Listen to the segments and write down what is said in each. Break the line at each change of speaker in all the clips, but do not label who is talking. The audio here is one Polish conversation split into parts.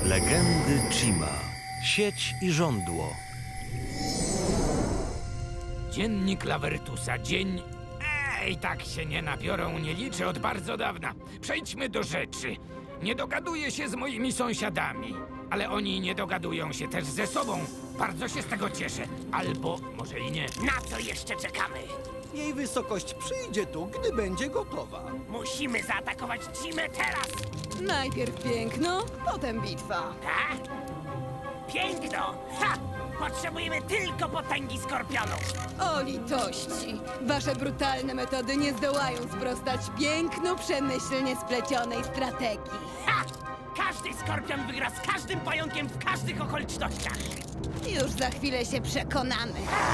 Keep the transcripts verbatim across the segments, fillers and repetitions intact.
Legendy Chima. Sieć i żądło.
Dziennik Lawertusa. Dzień... Ej, tak się nie nabiorą, nie liczę od bardzo dawna. Przejdźmy do rzeczy. Nie dogaduję się z moimi sąsiadami, ale oni nie dogadują się też ze sobą. Bardzo się z tego cieszę. Albo może i nie.
Na co jeszcze czekamy?
Jej wysokość przyjdzie tu, gdy będzie gotowa.
Musimy zaatakować Cimę teraz!
Najpierw piękno, potem bitwa.
Ha? Piękno! Ha! Potrzebujemy tylko potęgi skorpionów!
O litości! Wasze brutalne metody nie zdołają sprostać pięknu przemyślnie splecionej strategii.
Ha! Każdy skorpion wygra z każdym pająkiem w każdych okolicznościach!
Już za chwilę się przekonamy.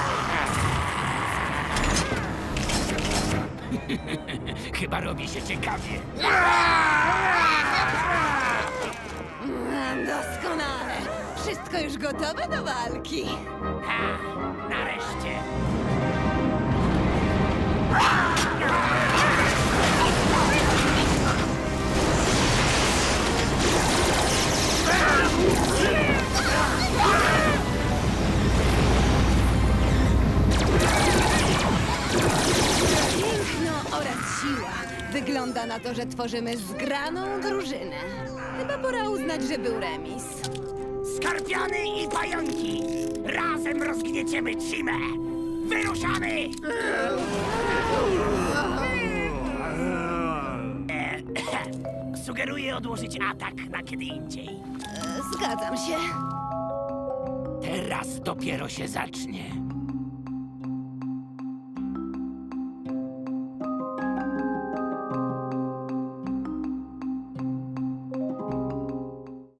Chyba robi się ciekawie.
Doskonale! Wszystko już gotowe do walki.
Ha! Nareszcie!
Piękno oraz siła. Wygląda na to, że tworzymy zgraną drużynę. Chyba pora uznać, że był remis.
Skorpiony i pająki! Razem rozgnieciemy Cimę! Wyruszamy! E, Sugeruję odłożyć atak na kiedy indziej.
E, Zgadzam się.
Teraz dopiero się zacznie.